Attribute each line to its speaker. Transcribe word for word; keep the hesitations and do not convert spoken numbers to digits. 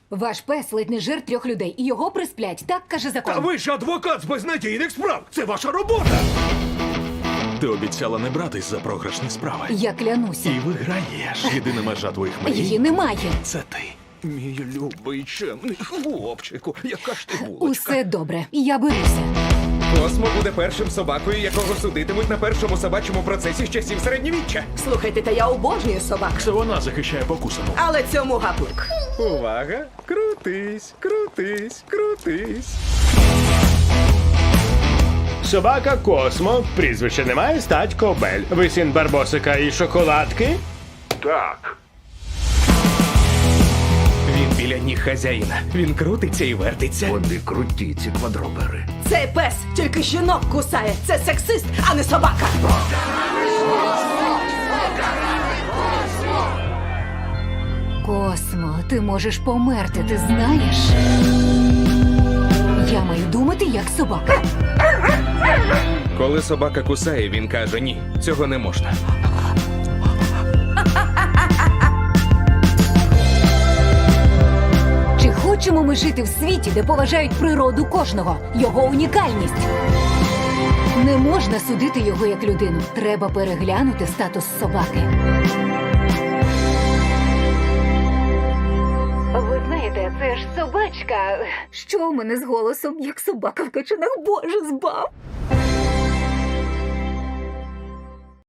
Speaker 1: Ваш пес ледь не жир трьох людей, і його присплять. Так каже закон.
Speaker 2: Та ви ж адвокат з безнадійних справ! Це ваша робота!
Speaker 3: Ти обіцяла не братись за програшні справи.
Speaker 1: Я клянуся.
Speaker 3: І виграєш. Єдина межа твоїх мрій
Speaker 1: Її немає.
Speaker 3: – це ти.
Speaker 2: Мій любий чемний хлопчику, яка ж ти булочка.
Speaker 1: Усе добре. Я беруся.
Speaker 2: Космо буде першим собакою, якого судитимуть на першому собачому процесі з часів середньовіччя.
Speaker 4: Слухайте, та я обожнюю собак.
Speaker 3: Це вона захищає покусану.
Speaker 4: Але цьому гаплик.
Speaker 2: Увага! Крутись, крутись, крутись.
Speaker 5: Собака Космо, прізвище немає, стать Кобель. Ви син Барбосика і шоколадки?
Speaker 2: Так. Він біля ніг хазяїна. Він крутиться і вертиться.
Speaker 6: Вони круті, ці квадробери.
Speaker 4: Цей пес тільки жінок кусає. Це сексист, а не собака.
Speaker 1: Космо, ти можеш померти, ти знаєш? Я маю думати, як собака.
Speaker 2: Коли собака кусає, він каже ні, цього не можна.
Speaker 1: Чи хочемо ми жити в світі, де поважають природу кожного, його унікальність? Не можна судити його як людину. Треба переглянути статус собаки. Ви знаєте, це ж собачка. Що у мене з голосом, як собака в качанах? Боже, збав!